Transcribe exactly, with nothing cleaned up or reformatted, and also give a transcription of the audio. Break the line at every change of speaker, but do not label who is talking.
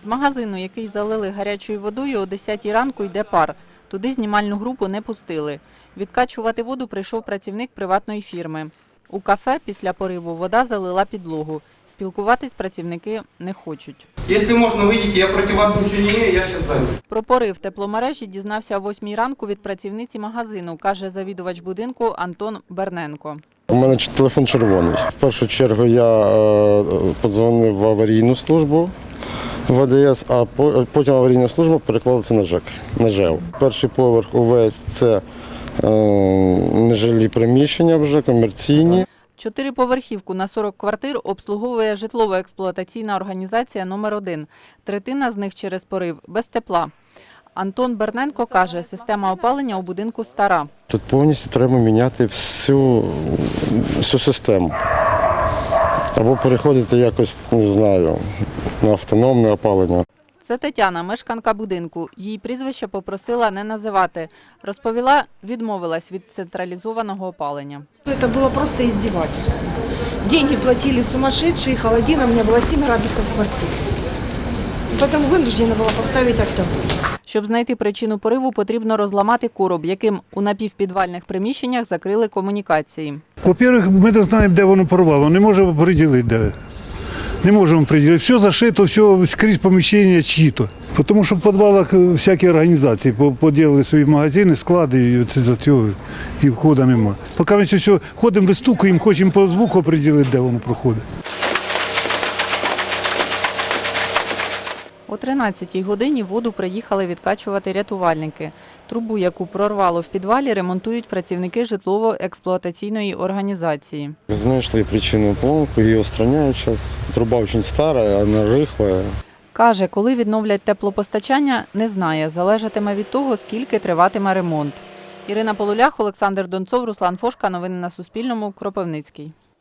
З магазину, який залили гарячою водою, о десятій ранку йде пар. Туди знімальну групу не пустили. Відкачувати воду прийшов працівник приватної фірми. У кафе після пориву вода залила підлогу. Спілкуватись працівники не хочуть.
Якщо можна, вийдіть, я проти вас нічого не маю, я зараз зайду.
Про порив тепломережі дізнався о восьмій ранку від працівниці магазину, каже завідувач будинку Антон Берненко.
У мене телефон червоний. В першу чергу я е, подзвонив в аварійну службу в А Д С, а потім аварійна служба переклала це на ЖЕК, на ЖЕО. Перший поверх увесь – це е, нежилі приміщення вже, комерційні.
Чотириповерхівку на сорок квартир обслуговує житлово-експлуатаційна організація номер один. Третина з них через порив без тепла. Антон Берненко каже, система опалення у будинку стара.
Тут повністю треба міняти всю, всю систему. Або переходити якось, не знаю, на автономне опалення.
Це Тетяна, мешканка будинку. Її прізвище попросила не називати. Розповіла, відмовилась від централізованого опалення.
Это было просто издевательство. Деньги платили сумасшедшие, холодина, у меня было семь градусов в квартире. Поэтому вынуждена была поставить автобой.
Щоб знайти причину пориву, потрібно розламати короб, яким у напівпідвальних приміщеннях закрили комунікації.
По-перше, ми не знаємо, де воно порвало, не можемо приділити, де. Не можемо приділити. Все зашито, все скрізь поміщення чиї-то. Тому що в підвалах всякі організації поділили свої магазини, склади, і це за цього і входу немає. Поки ми все ходимо, вистукуємо, хочемо по звуку приділити, де воно проходить.
О тринадцятій годині воду приїхали відкачувати рятувальники. Трубу, яку прорвало в підвалі, ремонтують працівники житлово-експлуатаційної організації.
Знайшли причину поломки, її устраняють зараз. Труба дуже стара, вона рихла.
Каже, коли відновлять теплопостачання, не знає. Залежатиме від того, скільки триватиме ремонт. Ірина Полулях, Олександр Донцов, Руслан Фошка. Новини на Суспільному. Кропивницький.